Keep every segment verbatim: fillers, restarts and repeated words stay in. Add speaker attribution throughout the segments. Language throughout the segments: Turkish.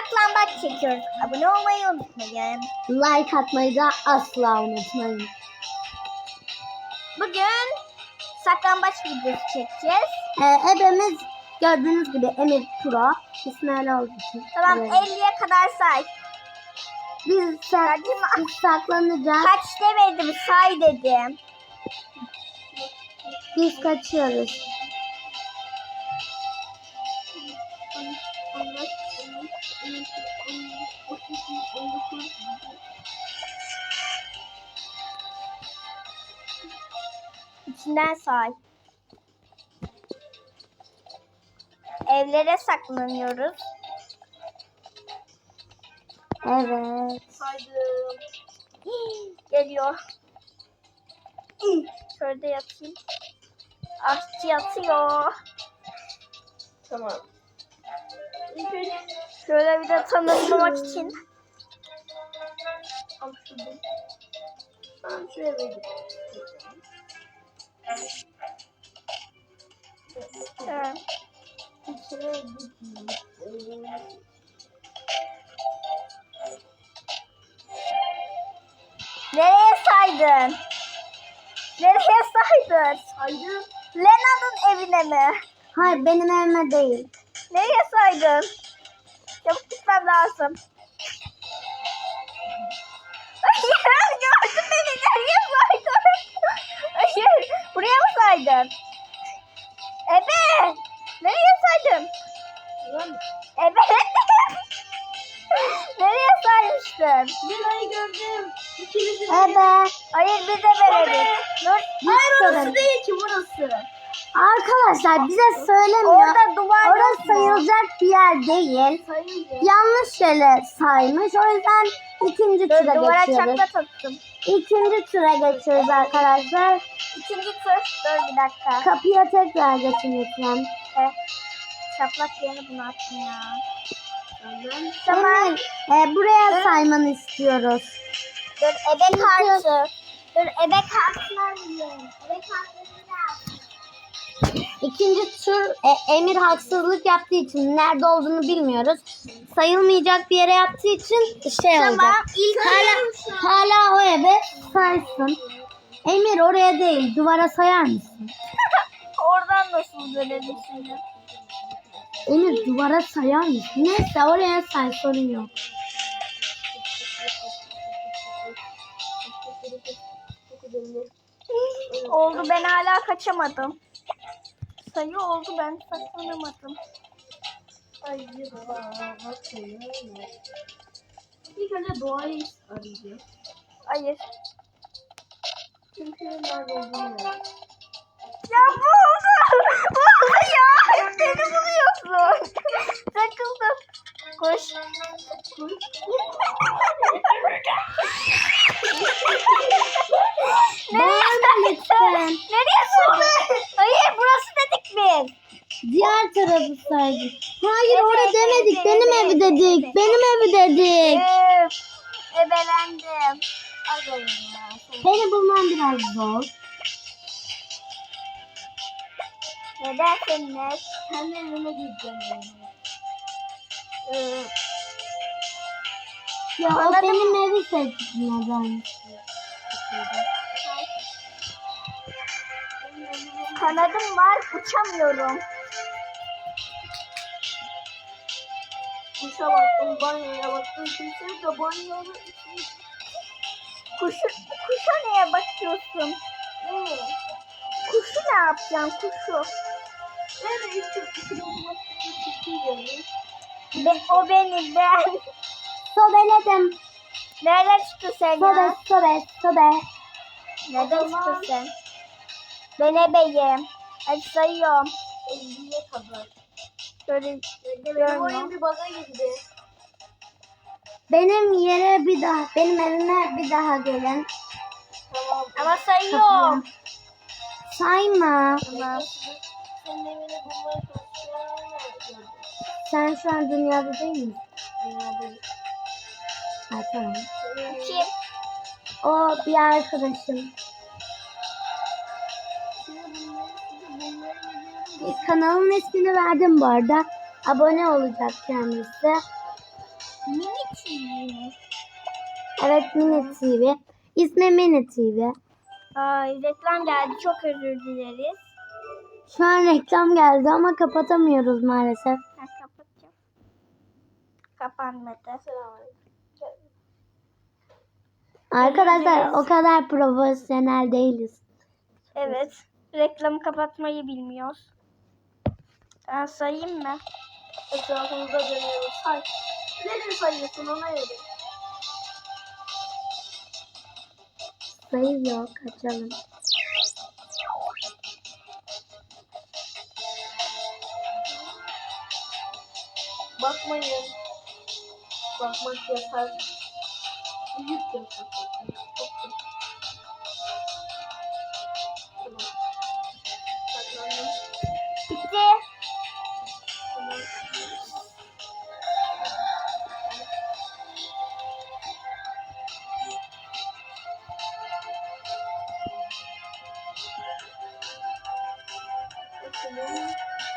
Speaker 1: saklambaç çekiyoruz. Abone olmayı unutmayın.
Speaker 2: Like atmayı da asla unutmayın.
Speaker 1: Bugün saklambaç videosu çekeceğiz.
Speaker 2: Ee, ebemiz gördüğünüz gibi Emir Pro. İsmi öyle olduğu için.
Speaker 1: Tamam,
Speaker 2: Evet.
Speaker 1: elliye kadar say.
Speaker 2: Biz, sak biz saklanacağız.
Speaker 1: Kaç demedim, say dedim.
Speaker 2: Biz kaçıyoruz.
Speaker 1: İçinden say. Evlere saklanıyoruz.
Speaker 2: Evet.
Speaker 1: Saydım. Geliyor. Şöyle yatayım. Aşçı yatıyor.
Speaker 3: Tamam.
Speaker 1: Şöyle bir de tanımlamak için.
Speaker 3: Al şunu. Ben şuraya vereyim.
Speaker 1: Evet.
Speaker 3: İçine gitmeyeyim.
Speaker 1: Nereye saydın? Nereye saydın?
Speaker 3: Saydım.
Speaker 1: Lena'nın evine mi?
Speaker 2: Hayır, benim evime değil.
Speaker 1: Nereye saydın? Çabuk gitmem lazım. Hayır, gördün beni. Nereye saydın? Hayır, buraya mı saydın? Evet. Nereye saydın? Evet. Nereye saymıştın?
Speaker 3: Lina'yı gördüm. İkinizi de.
Speaker 2: Ebe.
Speaker 1: Hayır, bir de verelim. Dur.
Speaker 3: Hayır, orası
Speaker 2: Sorun.
Speaker 3: değil ki, burası.
Speaker 2: Arkadaşlar bize söylemiyor.
Speaker 1: Orada duvar yok
Speaker 2: Orası
Speaker 1: mu?
Speaker 2: sayılacak bir yer değil.
Speaker 3: Sayınca.
Speaker 2: Yanlış yere saymış. O yüzden ikinci
Speaker 1: Dur,
Speaker 2: tura
Speaker 1: duvara
Speaker 2: geçiyoruz.
Speaker 1: çakla taktım.
Speaker 2: İkinci tura geçiyoruz arkadaşlar.
Speaker 1: İkinci tur. Dur bir dakika.
Speaker 2: Kapıya tekrar geçin lütfen.
Speaker 1: Evet. Çaplak yerine bunu attım ya.
Speaker 3: Tamam.
Speaker 1: Tamam.
Speaker 2: Emir, e, buraya saymanı istiyoruz.
Speaker 1: Dur, ebe kartı. Dur, ebe kartını alayım. Ebe kartını al.
Speaker 2: İkinci tur e, Emir haksızlık yaptığı için nerede olduğunu bilmiyoruz. Sayılmayacak bir yere yaptığı için şey
Speaker 1: Tamam,
Speaker 2: olacak.
Speaker 1: ilk
Speaker 2: Hala, hala o eve saysın. Emir oraya değil, duvara sayar mısın?
Speaker 1: Oradan nasıl dönelim şimdi?
Speaker 2: Emir duvara sayar mısın? Neyse oraya say, sorun yok.
Speaker 1: Oldu, ben hala kaçamadım. Sayı oldu, ben saklanamadım.
Speaker 3: Ay bakayım. İlk önce doğayı arayacağım.
Speaker 1: Hayır.
Speaker 3: Çünkü nerede olduğunu merak.
Speaker 1: Ya bu oldu. Oldu ya. Beni buluyorsun. Takıldım. Koş.
Speaker 3: Koş.
Speaker 2: Bağırma lütfen.
Speaker 1: Nereye sordun? Hayır, burası dedik biz.
Speaker 2: Diğer tarafı saydık. Hayır orada demedik. Benim evi dedik. Benim evi dedik.
Speaker 1: Üf, ebelendim. Az olun ya.
Speaker 2: Beni bulman biraz zor.
Speaker 1: Neden seninle?
Speaker 3: Kendi evime gideceğim yani.
Speaker 1: Ee,
Speaker 2: Ya o
Speaker 1: Anladım.
Speaker 2: benim evi seçtin neden?
Speaker 1: Kanadım var, uçamıyorum.
Speaker 3: Kuşa baktım, banyoya baktım. Kimse de banyoda
Speaker 1: Kuşu, kuşa neye bakıyorsun?
Speaker 3: ne?
Speaker 1: Kuşu ne yapacaksın, kuşu?
Speaker 3: Nerede içim içim içim
Speaker 1: Be, o benim, ben.
Speaker 2: Sobeledim.
Speaker 1: Nereden çıktı sen
Speaker 2: Sobe
Speaker 1: ya?
Speaker 2: sobe sobe.
Speaker 1: Nereden çıktı sen? Ben ebeyim. Hadi sayıyorum.
Speaker 3: elliye kadar.
Speaker 1: Şöyle
Speaker 3: Benim
Speaker 1: görmüyorum.
Speaker 3: oyun bir baga girdi.
Speaker 2: Benim yere bir daha, benim evime bir daha gelin.
Speaker 3: Tamam.
Speaker 1: Ama sayıyorum.
Speaker 2: Sayma.
Speaker 1: Tamam.
Speaker 3: Senin evini bulmaya çalışıyorum.
Speaker 2: Sen şu an dünyada değil misin?
Speaker 3: Dünyada.
Speaker 2: Ha tamam.
Speaker 1: Kim?
Speaker 2: O bir arkadaşım. Kanalın ismini verdim bu arada. Abone olacak kendisi.
Speaker 1: Mini T V mi?
Speaker 2: Evet, Mini T V. İsmi Mini T V.
Speaker 1: Ay, reklam geldi. Çok özür dileriz.
Speaker 2: Şu an reklam geldi ama kapatamıyoruz maalesef.
Speaker 1: Ben kapatacağım. Kapanmadı.
Speaker 2: Arkadaşlar o kadar profesyonel değiliz.
Speaker 1: Evet. Reklamı kapatmayı bilmiyoruz. Ben sayayım mı?
Speaker 3: Etrafımızda dönüyoruz. Say. Nereye sayıyorsun ona göre?
Speaker 2: Sayı yok, açalım.
Speaker 3: Bakmayın. Bakmak yasak. Büyük yasak. Çok yasak. Tamam. Saklandım.
Speaker 1: Bitti.
Speaker 3: Tamam. Bakalım.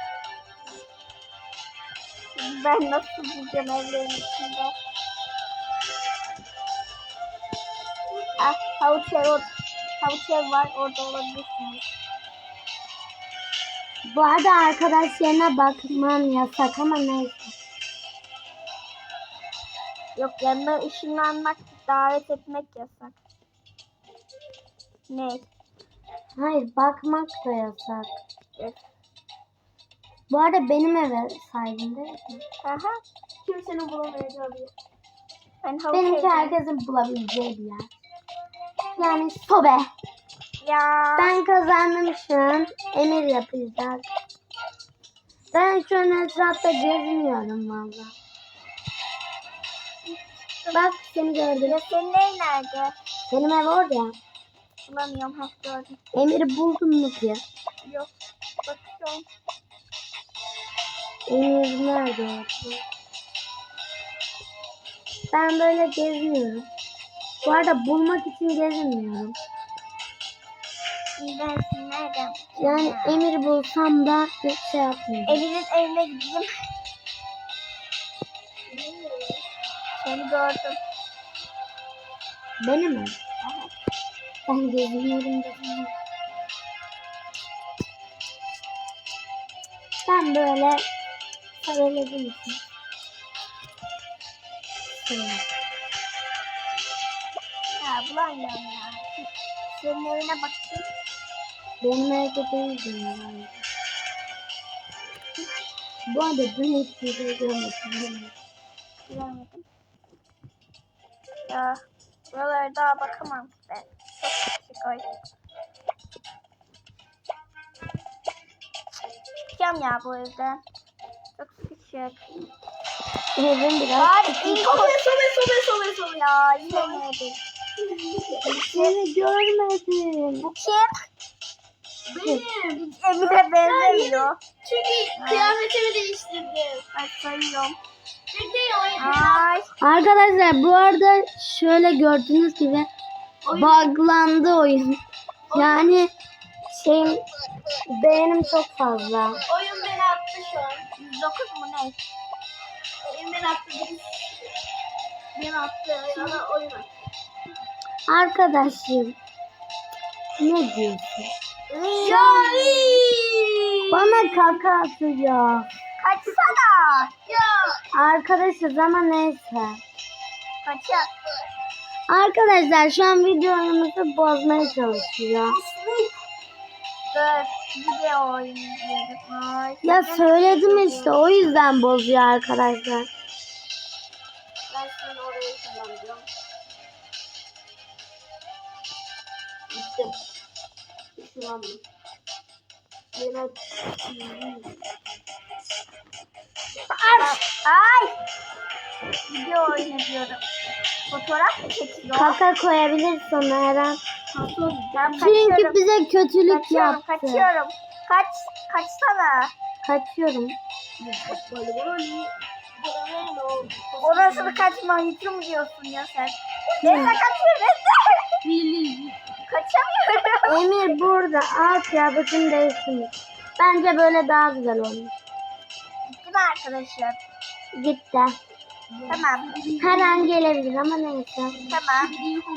Speaker 1: Ben nasıl bulacağım evlerin içinde? Ah, havuç ev, or- havuç ev var. Orada olabilirsiniz.
Speaker 2: Bu arada arkadaş yerine bakmam yasak ama neyse.
Speaker 1: Yok, yanına ışınlanmak, davet etmek yasak. Ne?
Speaker 2: Hayır, bakmak da yasak.
Speaker 1: Evet.
Speaker 2: Bu arada benim eve saydın değil mi?
Speaker 1: Aha.
Speaker 3: Kimsenin bulamayacağı bir yer.
Speaker 1: Ben havuç
Speaker 2: Benimki
Speaker 1: evdeyim.
Speaker 2: herkesin bulabileceği bir yer. Yani sobe.
Speaker 1: Ya.
Speaker 2: Ben kazandım şu an. Emir yapacak. Ben şu an etrafta geziniyorum valla. Bak seni gördüm.
Speaker 1: Ya senin ev nerede?
Speaker 2: Benim ev orada ya.
Speaker 1: Bulamıyorum. Heh, gördüm.
Speaker 2: Emir'i buldun mu ki?
Speaker 1: Yok. Bakıyorum.
Speaker 2: Emir nerede orada? Ben böyle geziniyorum. Bu arada bulmak için gezinmiyorum.
Speaker 1: Ben seni nereden?
Speaker 2: Yani Emir'i bulsam da bir şey yapmıyorum.
Speaker 1: Evin'in evine gideyim. Seni gördüm.
Speaker 2: Benim mi? Ben geziniyorum geziniyorum. Ben böyle paraladım için. Şöyle.
Speaker 1: Ya bulamıyorum ya. Senin evine bakayım.
Speaker 2: Benim evde değildim yani. Bu arada ben hiçbir şey görmedim.
Speaker 1: Bilemedim. Ya buralara daha bakamam ben. Çok küçük o yüzden. Çıkacağım ya bu evden. Çok küçük.
Speaker 2: Evim biraz
Speaker 1: Bari
Speaker 2: küçük.
Speaker 1: ilk
Speaker 3: Sobe sobe sobe sobe sobe.
Speaker 1: ya yine neydi?
Speaker 2: Seni görmedim.
Speaker 1: Bu kim?
Speaker 3: Benim.
Speaker 1: Emir'e benzemiyor.
Speaker 3: Çünkü kıyafetimi değiştirdim.
Speaker 1: Ben sayıyorum.
Speaker 3: Bekle ya.
Speaker 1: Ay.
Speaker 2: Arkadaşlar bu arada şöyle gördüğünüz gibi buglandı oyun. Yani şeyim beğenim çok fazla.
Speaker 3: Oyun beni attı şu an.
Speaker 1: yüz dokuz mu ne?
Speaker 3: Oyun beni attı. Beni attı. Yana oyun attı.
Speaker 2: Arkadaşım ne diyorsun?
Speaker 1: Yani.
Speaker 2: Bana kaka atıyor.
Speaker 1: Kaçsana.
Speaker 3: Ya.
Speaker 2: Arkadaşız ama neyse.
Speaker 1: Kaçak.
Speaker 2: Arkadaşlar şu an videomuzu bozmaya çalışıyor.
Speaker 1: Dur. Video oynayacağız. Ay.
Speaker 2: Ya söyledim işte o yüzden bozuyor arkadaşlar.
Speaker 3: Ben seni oraya kullanacağım. Gittim. Işınlandım. Beni
Speaker 1: Ay. Video oynayıyorum. Fotoğraf mı çekiyor?
Speaker 2: Kaka koyabilirsin her an.
Speaker 1: Ben
Speaker 2: Çünkü
Speaker 1: kaçıyorum.
Speaker 2: bize kötülük
Speaker 1: Kaçıyorum,
Speaker 2: yaptı.
Speaker 1: kaçıyorum. Kaç, kaçsana.
Speaker 2: Kaçıyorum.
Speaker 1: Orasını kaçma, hüküm diyorsun ya sen. Neyse kaçıyorum, neyse. Kaçamıyorum.
Speaker 2: Emir burada. Al kıyafetini değiştirmiş. Bence böyle daha güzel olmuş.
Speaker 1: Gitti mi arkadaşlar?
Speaker 2: Gitti.
Speaker 1: Tamam.
Speaker 2: Her an gelebilir ama neyse.
Speaker 1: Tamam.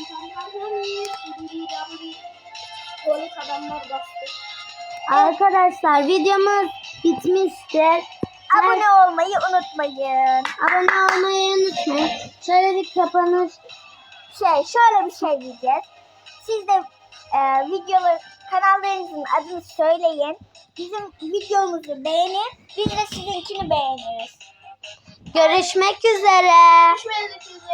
Speaker 3: Polis adamlar bastı.
Speaker 2: Arkadaşlar videomuz bitmiştir.
Speaker 1: Abone olmayı unutmayın.
Speaker 2: Abone olmayı unutmayın. Şöyle bir kapanış.
Speaker 1: Şey şöyle bir şey diyeceğiz. Siz de e, videoları kanallarınızın adını söyleyin. Bizim videomuzu beğenin. Biz de sizinkini beğeniriz.
Speaker 2: Görüşmek üzere.
Speaker 3: Görüşmek üzere.